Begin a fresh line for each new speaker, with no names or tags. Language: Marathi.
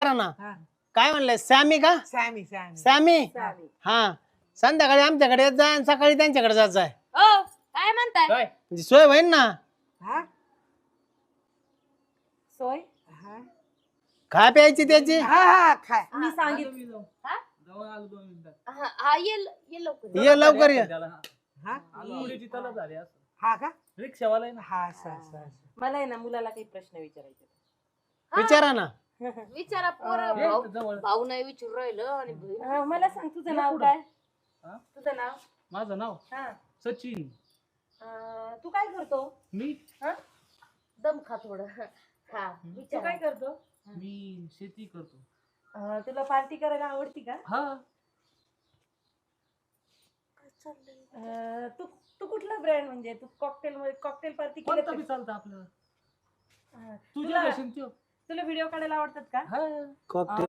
करा ना.
हा.
काय म्हणलंय सॅमी का?
सॅमी सॅमी
सॅमी
चालेल.
हा. संध्याकाळी आमच्याकडे येत जाय आणि सकाळी त्यांच्याकडे जात जाय.
ओ काय म्हणताय?
काय
म्हणजे सोय होईन ना.
हा
सोय
हा
खा प्यायची त्याची.
हा हा खाय
मी सांगितलं.
मी जाऊ
हा?
जाऊन आलो 2 मिनिटात.
हा ये लवकर.
ये लवकर ये.
त्याला
हा
पुढेची तलब झाली असं
हा का
रिक्षावाला आहे ना.
हा असं असं असं.
मला आहे ना मुलाला काही प्रश्न विचारायचे.
विचारा ना.
विचारा पोरं
ये
भाऊ
इथं जवळ
भाऊ नाही विचारू राहिलं आणि बहीण.
मला सांग तुझं नाव
पुढं.
काय?
हा?
तुझं नाव?
माझं नाव
हा.
सचिन.
तू काय करतो?
मी
दम खा थोडं. हा
तू
विचारा.
काय करतो?
मी शेती करतो.
तुला पार्टी करायला आवडती का?
हा
तू तू कुठला ब्रँड म्हणजे तू कॉकटेल पार्टी
कोणतं बी चालतं आपल्याला. तुझ्या
तुला
कशी त्यो
तुला व्हिडिओ काढायला आवडतात का?
हा
कॉकटेल